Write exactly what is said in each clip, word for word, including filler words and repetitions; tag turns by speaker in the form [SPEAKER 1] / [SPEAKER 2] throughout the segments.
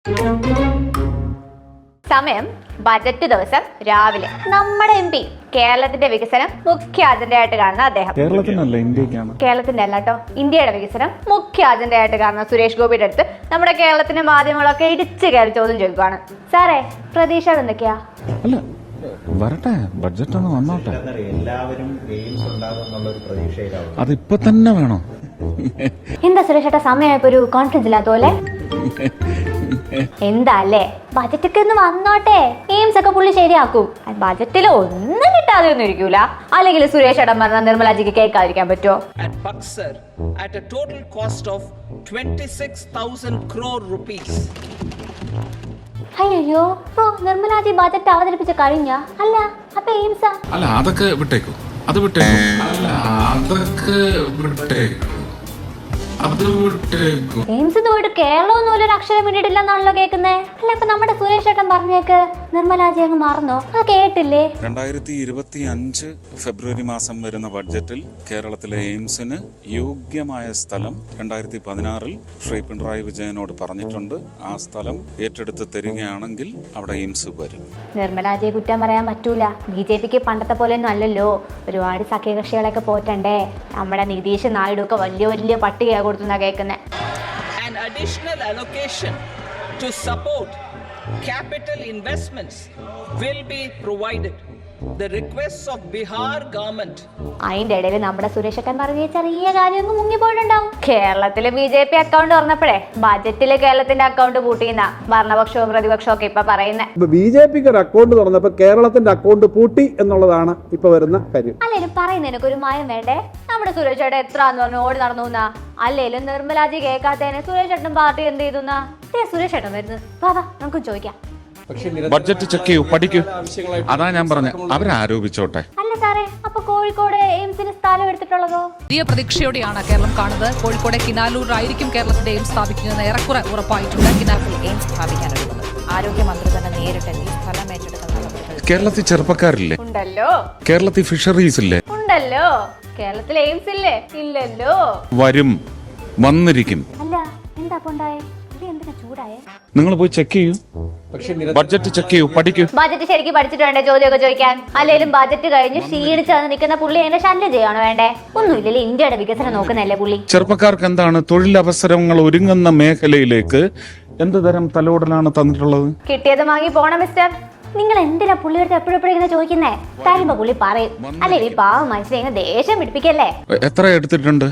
[SPEAKER 1] സമയം ബജറ്റ് ദിവസം രാവിലെ. നമ്മുടെ എം പി കേരളത്തിന്റെ വികസനം മുഖ്യ അജണ്ടയായിട്ട് കാണുന്ന അദ്ദേഹം
[SPEAKER 2] കേരളത്തിനല്ല ഇന്ത്യക്കാണ്
[SPEAKER 1] കേരളത്തിന്റെ അല്ല കേട്ടോ ഇന്ത്യയുടെ വികസനം മുഖ്യ അജണ്ടയായിട്ട് കാണുന്ന സുരേഷ് ഗോപിയുടെ അടുത്ത് നമ്മുടെ കേരളത്തിന്റെ മാധ്യമങ്ങളൊക്കെ ഇടിച്ചു കയറി ചോദ്യം ചോദിക്കുകയാണ്. സാറേ, പ്രതീക്ഷകൾ എന്തൊക്കെയാ?
[SPEAKER 2] അല്ല വരട്ടെ, ബഡ്ജറ്റ് ഒന്ന് വന്നോട്ടെ.
[SPEAKER 3] എല്ലാവരും ഗെയിംസ് ഉണ്ടാകുന്നുള്ള ഒരു പ്രതീക്ഷയിലാവും.
[SPEAKER 2] അതിപ്പോ തന്നെ വേണോ?
[SPEAKER 1] എന്താ സുരേഷ് ഏട്ടാ സമയമായപ്പോ ഒരു കോൺഫിഡൻസ് ഇല്ലാത്ത പോലെ? എന്താ അല്ലേ, ബജറ്റ് ഒക്കെ ഒന്ന് വന്നോട്ടെ, എയിംസ് ഒക്കെ പുള്ളി ശരിയാക്കും. ബജറ്റിൽ ഒന്നും കിട്ടാതെ ഒന്നും ഇരിക്കൂല. അല്ലെങ്കിൽ സുരേഷ് ഏട്ടൻ പറഞ്ഞ നിർമ്മലാജിക്ക് കേൾക്കാതിരിക്കാൻ പറ്റുമോ?
[SPEAKER 4] At Buxar, at a total cost of twenty-six thousand crore rupees.
[SPEAKER 1] അയ്യോ, ഓ നിർമ്മലാജി ബജറ്റ് അവതരിപ്പിച്ച കഴിഞ്ഞ അല്ല, അപ്പൊ എയിംസാ?
[SPEAKER 5] അല്ല അതൊക്കെ വിട്ടേക്കൂ, അത് വിട്ടേക്കൂ, അല്ല അതൊക്കെ വിട്ടേക്കൂ, അത് വിട്ടേക്കൂ.
[SPEAKER 1] എയിംസ് പോയിട്ട് കേരളം ഒന്നും ഒരു അക്ഷരം വേണ്ടിയിട്ടില്ലെന്നാണല്ലോ കേൾക്കുന്നേ. അല്ല ഇപ്പൊ നമ്മുടെ സുരേഷ് ഏട്ടൻ പറഞ്ഞേക്ക് നിർമ്മലാജി അങ്ങ് മറന്നോ? അത് കേട്ടില്ലേ?
[SPEAKER 6] രണ്ടായിരത്തി ഇരുപത്തി അഞ്ച് ഫെബ്രുവരി മാസം വരുന്ന ബഡ്ജറ്റിൽ കേരളത്തിലെ എയിംസിന് യോഗ്യമായ സ്ഥലം രണ്ടായിരത്തി പതിനാറിൽ ശ്രീ പിണറായി വിജയനോട് പറഞ്ഞിട്ടുണ്ട്. ആ സ്ഥലം ഏറ്റെടുത്ത് തരികയാണെങ്കിൽ അവിടെ എയിംസ് വരും.
[SPEAKER 1] നിർമ്മലാജിയെ കുറ്റം പറയാൻ പറ്റൂല. ബി ജെ പിക്ക് പണ്ടത്തെ പോലെ ഒന്നും അല്ലല്ലോ. ഒരുപാട് സഖ്യകക്ഷികളൊക്കെ പോറ്റണ്ടേ. നമ്മുടെ നിതീഷ് നായിഡു ഒക്കെ വലിയ വലിയ പട്ടിക കൊടുത്തുന്നാ കേൾക്കുന്നേ.
[SPEAKER 4] An additional allocation to support capital investments will be provided. The requests of Bihar government.
[SPEAKER 1] അതിന്റെ ഇടയിൽ നമ്മുടെ സുരേഷക്കൻ പറഞ്ഞ ചെറിയ കാര്യമൊന്നും മുങ്ങിപ്പോയിട്ടുണ്ടാവും. കേരളത്തിലെ ബി ജെ പി അക്കൗണ്ട് തുറന്നപ്പോഴേ ബജറ്റില് കേരളത്തിന്റെ അക്കൗണ്ട് പൂട്ടിയെന്ന ഭരണപക്ഷവും പ്രതിപക്ഷവും ഒക്കെ ഇപ്പൊ പറയുന്നത്.
[SPEAKER 7] ബി ജെ പിക്ക് ഒരു അക്കൗണ്ട് തുറന്നപ്പോ കേരളത്തിന്റെ അക്കൗണ്ട് പൂട്ടി എന്നുള്ളതാണ് ഇപ്പൊ വരുന്ന കാര്യം.
[SPEAKER 1] അല്ലേലും പറയുന്നതിനൊക്കെ ഒരു മായം വേണ്ടേ? നമ്മുടെ സുരേഷ് ചേട്ടൻ എത്ര പറഞ്ഞു ഓടി നടന്നു എന്നാ? അല്ലേലും നിർമ്മലാജി കേൾക്കാത്തതിന് സുരേഷ് ചേട്ടൻ പാർട്ടി എന്ത് ചെയ്തുന്നാ? സുരേഷ് ചേട്ടൻ വരുന്നത് വാ നമുക്ക് ചോദിക്കാം.
[SPEAKER 5] ബഡ്ജറ്റ് ചെക്ക് ചെയ്യൂ, പഠിക്കൂ. അതാ ഞാൻ പറഞ്ഞ അവരാരോപിച്ചോട്ടെ.
[SPEAKER 1] അല്ല സാറേ, അപ്പൊ കോഴിക്കോട് എയിംസിന് സ്ഥലം എടുത്തിട്ടുള്ളതോ?
[SPEAKER 8] വലിയ പ്രതീക്ഷയോടെയാണ് കേരളം കാണുന്നത്. കോഴിക്കോട് കിനാലൂരിലായിരിക്കും കേരളത്തിന്റെ എയിംസ് സ്ഥാപിക്കുന്നത് ഏറെക്കുറെ ഉറപ്പായിട്ടുണ്ട്. കിനാലൂരിൽ എയിംസ് സ്ഥാപിക്കാനൊരുങ്ങുന്നത് ആരോഗ്യമന്ത്രി തന്നെ നേരിട്ട് ഈ സ്ഥലം ഏറ്റെടുക്കുന്ന
[SPEAKER 5] കേരളത്തിൽ ചെറുപ്പക്കാരില്ലേ?
[SPEAKER 1] ഉണ്ടല്ലോ.
[SPEAKER 5] കേരളത്തിൽ ഫിഷറീസ് ഇല്ലേ?
[SPEAKER 1] ഉണ്ടല്ലോ. കേരളത്തിൽ എയിംസ് ഇല്ലേ? ഇല്ലല്ലോ.
[SPEAKER 5] വരും, വന്നിരിക്കും.
[SPEAKER 1] അല്ല എന്താ ഉണ്ടായേ? എന്തിനാ ചൂടായേ?
[SPEAKER 5] നിങ്ങൾ പോയി ചെക്ക് ചെയ്യൂ, ബഡ്ജറ്റ് ചെക്ക് ചെയ്യൂ, പഠിക്കൂ.
[SPEAKER 1] ബജറ്റ് ശരിക്കും പഠിച്ചിട്ട് വേണ്ടേ ചോദ്യമൊക്കെ ചോദിക്കാൻ? അല്ലെങ്കിലും ബജറ്റ് കഴിഞ്ഞ് ക്ഷീണിച്ച് നിൽക്കുന്ന പുള്ളി എന്നെ ശല്യം ചെയ്യണോ വേണ്ടേ? ഒന്നുമില്ലല്ലേ, ഇന്ത്യയുടെ വികസനം നോക്കുന്നല്ലേ പുള്ളി.
[SPEAKER 5] ചെറുപ്പക്കാർക്ക് എന്താണ് തൊഴിലവസരങ്ങൾ ഒരുങ്ങുന്ന മേഖലയിലേക്ക് എന്ത് തരം തലോടലാണ് തന്നിട്ടുള്ളത്?
[SPEAKER 1] കിട്ടിയത് വാങ്ങി പോണം മിസ്റ്റർ. നിങ്ങൾ എന്തിനാ പുള്ളിയുടെ എപ്പോഴെപ്പോഴും ഇങ്ങനെ ചോദിക്കുന്നേ? തരുമ്പോ പുള്ളി പറയും. അല്ലെ ഈ പാവം മനുഷ്യനെ ദേഷ്യം പിടിപ്പിക്കല്ലേ?
[SPEAKER 5] എത്ര എടുത്തിട്ടുണ്ട്?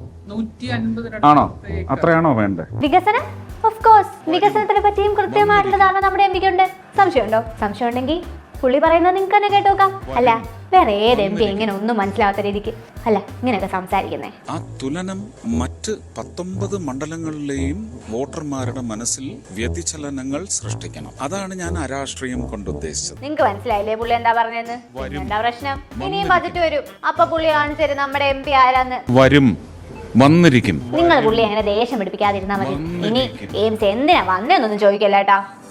[SPEAKER 5] ആണോ? അത്രയാണോ വേണ്ടേ?
[SPEAKER 1] വികസനം ഓഫ് കോഴ്സ്, വികസനത്തിനെ പറ്റിയും കൃത്യമായിട്ടുള്ള ധാരണ നമ്മുടെ എം പിക്കുണ്ട്. സംശയമുണ്ടോ? സംശയം ഉണ്ടെങ്കിൽ പുള്ളി പറയുന്നത് നിങ്ങൾക്ക് തന്നെ കേട്ടോക്കാം. അല്ല വേറെ ഏത് എം പി ഇങ്ങനെ ഒന്നും മനസ്സിലാവാത്ത രീതിക്ക് അല്ല ഇങ്ങനെയൊക്കെ സംസാരിക്കുന്നേ?
[SPEAKER 6] ആ തുലനം മറ്റ് പത്തൊമ്പത് മണ്ഡലങ്ങളിലെയും വോട്ടർമാരുടെ മനസ്സിൽ വ്യതിചലനങ്ങൾ സൃഷ്ടിക്കണം. അതാണ് ഞാൻ അരാഷ്ട്രീയം കൊണ്ട് ഉദ്ദേശിച്ചത്.
[SPEAKER 1] നിങ്ങൾക്ക് മനസ്സിലായില്ലേ പുള്ളി എന്താ പറഞ്ഞതെന്ന്? എന്താ പ്രശ്നം? ഇനിയും ബജറ്റ് വരും, അപ്പൊ പുള്ളി കാണിച്ചു തരും നമ്മുടെ എം പി ആരാന്ന്.
[SPEAKER 5] വരും, വന്നിരിക്കും.
[SPEAKER 1] നിങ്ങൾ പുള്ളി അങ്ങനെ ദേഷ്യം പിടിപ്പിക്കാതിരുന്നാ മതി. ഇനി എയിംസ് എന്തിനാ വന്നേന്നൊന്നും ചോദിക്കല്ലേട്ടാ.